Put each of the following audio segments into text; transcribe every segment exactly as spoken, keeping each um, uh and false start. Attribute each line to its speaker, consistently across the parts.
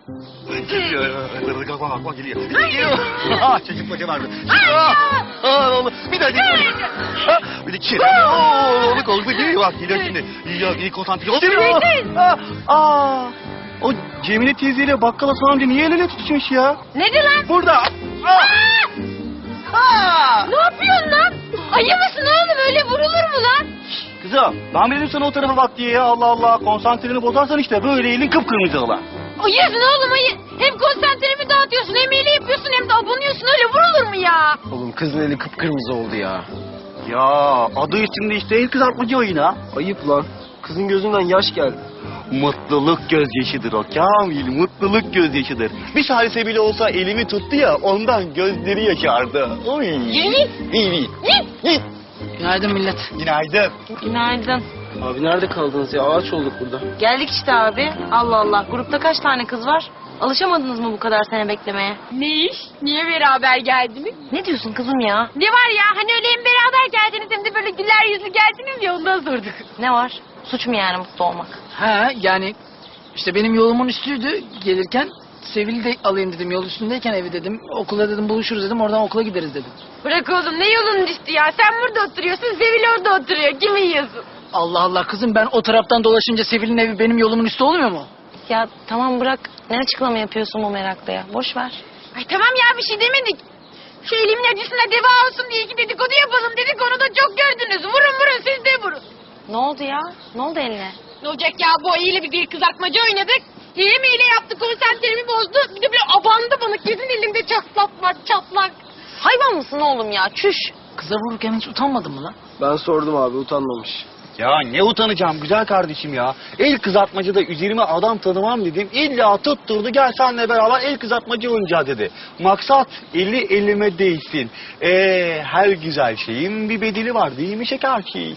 Speaker 1: Geliyor. Bak bak bak geliyor. Geliyor. Ah çocuk koca vardı. Ah oğlum bir daha geliyor. Bir de çiğ. Oğlum koldu geliyor bak geliyor şimdi. İyi ya iyi konsantre ol. Aa. O Cemile teyzeyle bakkal Hasan amca niye el ele tutuşmuş ya?
Speaker 2: Nedir lan?
Speaker 1: Burada. Aa. Aa.
Speaker 2: Ne yapıyorsun lan? Ayı mısın oğlum? Öyle vurulur mu lan?
Speaker 1: Kızım ben dedim sana o tarafa bak diye ya Allah Allah konsantreni bozarsan işte böyle elin kıpkırmızı olan.
Speaker 2: Ayısın oğlum ayı. Hem konsantremi dağıtıyorsun hem eli yapıyorsun hem de abonuyorsun. Öyle vurulur mu ya?
Speaker 3: Oğlum kızın eli kıpkırmızı oldu ya.
Speaker 1: Ya adı üstünde işte el kızartmacı oyunu.
Speaker 3: Ayıp lan. Kızın gözünden yaş geldi.
Speaker 1: Mutluluk gözyaşıdır o Kamil, mutluluk gözyaşıdır. Bir salise bile olsa elimi tuttu ya ondan gözleri yaşardı. Oy.
Speaker 2: Yürü.
Speaker 1: İyi, iyi.
Speaker 4: Günaydın millet.
Speaker 1: Günaydın.
Speaker 5: Günaydın.
Speaker 3: Abi nerede kaldınız ya? Ağaç olduk burada.
Speaker 5: Geldik işte abi. Allah Allah. Grupta kaç tane kız var? Alışamadınız mı bu kadar sene beklemeye?
Speaker 2: Ne iş? Niye beraber geldiniz?
Speaker 5: Ne diyorsun kızım ya?
Speaker 2: Ne var ya hani öyle hem beraber geldiniz hem de böyle güler yüzlü geldiniz ya ondan sorduk.
Speaker 5: Ne var? Suç mu yani mutlu olmak?
Speaker 4: Ha yani işte benim yolumun üstüydü gelirken. Sevil'i de alayım dedim yol üstündeyken evi dedim. Okula dedim buluşuruz dedim oradan okula gideriz dedim.
Speaker 2: Bırak oğlum ne yolun düştü ya. Sen burada oturuyorsun Sevil orada oturuyor. Kimi yiyorsun?
Speaker 4: Allah Allah kızım ben o taraftan dolaşınca Sevil'in evi benim yolumun üstü olmuyor mu?
Speaker 5: Ya tamam bırak. Ne açıklama yapıyorsun bu merakla ya? Boş ver.
Speaker 2: Ay tamam ya bir şey demedik. Şu elimin acısına deva olsun diye iki dedikodu yapalım dedik onu da çok gördünüz. Vurun vurun siz de vurun.
Speaker 5: Ne oldu ya? Ne oldu eline?
Speaker 2: Ne olacak ya bu ayıyla bir, bir kızartmacı oynadık. Hile meyle yaptı konsantremi bozdu. Bir de böyle abandı bana kesin elimde çatlak var çatlak.
Speaker 5: Hayvan mısın oğlum ya? Çüş.
Speaker 4: Kıza vururken hiç utanmadın mı lan?
Speaker 3: Ben sordum abi utanmamış.
Speaker 1: Ya ne utanacağım güzel kardeşim ya. El kızartmacıda üzerime adam tanımam dedim. İlla tutturdu gel seninle beraber el kızartmacı oynayacağız dedi. Maksat eli elime değsin. Ee, her güzel şeyin bir bedeli var değil mi şekerçi?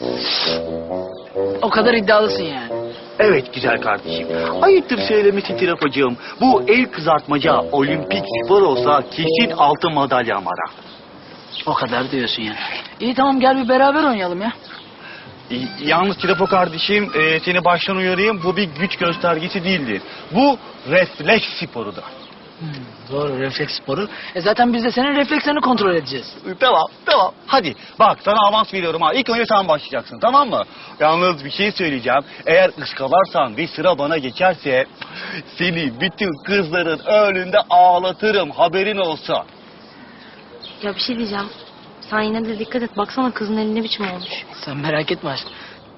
Speaker 4: O kadar iddialısın yani.
Speaker 1: Evet güzel kardeşim. Ayıptır söylemesi tirafacığım. Bu el kızartmaca olimpik spor olsa kesin altın madalyam var.
Speaker 4: O kadar diyorsun yani. İyi tamam gel bir beraber oynayalım ya.
Speaker 1: Y- Yalnız Trafo kardeşim e, seni baştan uyarayım bu bir güç göstergesi değildir. Bu refleks sporudur.
Speaker 4: Hmm, doğru refleks sporu. E zaten biz de senin reflekslerini kontrol edeceğiz.
Speaker 1: Tamam tamam hadi bak sana avans veriyorum ha ilk önce sen başlayacaksın tamam mı? Yalnız bir şey söyleyeceğim eğer ıskalarsan ve sıra bana geçerse seni bütün kızların önünde ağlatırım haberin olsa.
Speaker 5: Ya bir şey diyeceğim. Sen yine de dikkat et. Baksana kızın eli ne biçim olmuş.
Speaker 4: Sen merak etme aşkım.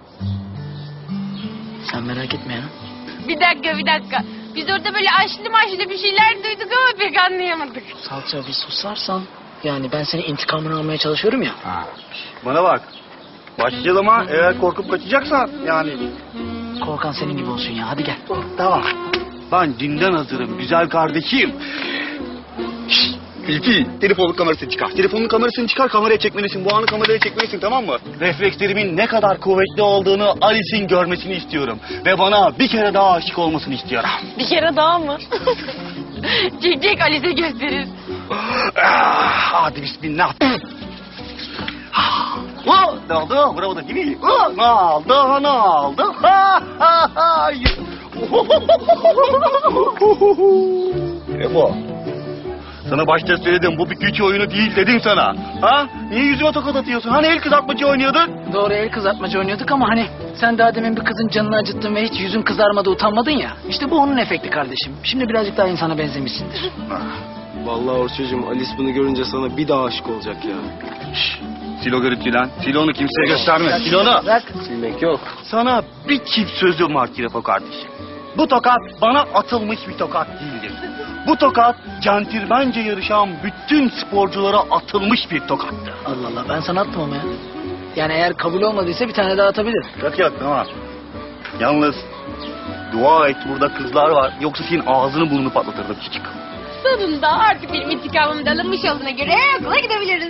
Speaker 4: Sen merak etme ya.
Speaker 2: Bir dakika bir dakika. Biz orada böyle aşlı maşlı bir şeyler duyduk ama pek anlayamadık.
Speaker 4: Salça bir susarsan. Yani ben senin intikamını almaya çalışıyorum ya.
Speaker 1: Ha. Bana bak başlayalım ha eğer korkup kaçacaksan yani.
Speaker 4: Korkan senin gibi olsun ya. Hadi gel.
Speaker 1: Tamam. Ben dinden hazırım güzel kardeşim. Şşt, Filfi, telefonun kamerasını çıkar. Telefonun kamerasını çıkar, kameraya çekmelisin. Bu anı kameraya çekmelisin, tamam mı? Reflekslerimin ne kadar kuvvetli olduğunu Alice'in görmesini istiyorum. Ve bana bir kere daha aşık olmasını istiyorum.
Speaker 5: Bir kere daha mı?
Speaker 2: Çek çek Alice gösterir.
Speaker 1: Ah, hadi bismillah. Ah, oh, ne oldu? Bravo da değil mi? Oh, ne oldu? Ne oldu? Ha, ha, ha. Ne bu? Sana başta söyledim bu bir güç oyunu değil dedim sana. Ha? Niye yüzüme tokat atıyorsun? Hani el kızartmacı oynuyorduk?
Speaker 4: Doğru el kızartmacı oynuyorduk ama hani sen daha demin bir kızın canını acıttın ve hiç yüzün kızarmadı utanmadın ya. İşte bu onun efekti kardeşim. Şimdi birazcık daha insana benzemişsindir.
Speaker 3: Vallahi Orçacığım Alice bunu görünce sana bir daha aşık olacak ya.
Speaker 1: Şşş. Silo garip lan. Silonu kimseye gösterme. Silonu.
Speaker 4: Bırak.
Speaker 3: Silmek yok.
Speaker 1: Sana bir çift sözüm var Kirafo kardeşim. Bu tokat bana atılmış bir tokat değildir. Bu tokat centilmence yarışan bütün sporculara atılmış bir tokattır.
Speaker 4: Allah Allah ben sana attım ama ya. Yani eğer kabul olmadıysa bir tane daha atabilir.
Speaker 1: Yok yok tamam. Yalnız dua et burada kızlar var. Yoksa senin ağzını burnunu patlatırdım küçük.
Speaker 2: Sonunda artık benim intikamım da alınmış olduğuna göre okula gidebiliriz.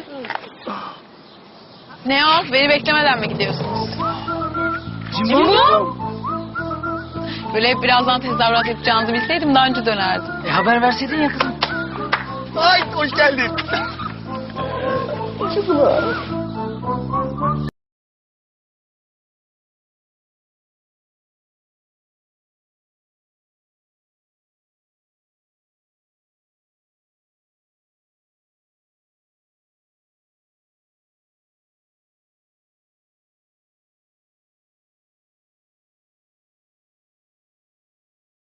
Speaker 5: Ne o? Beni beklemeden mi gidiyorsunuz?
Speaker 2: Cimbo?
Speaker 5: Böyle hep birazdan tezahürat yapacağınızı bilseydim daha önce dönerdim.
Speaker 4: E haber verseydin ya kızım.
Speaker 1: Ay hoş geldin.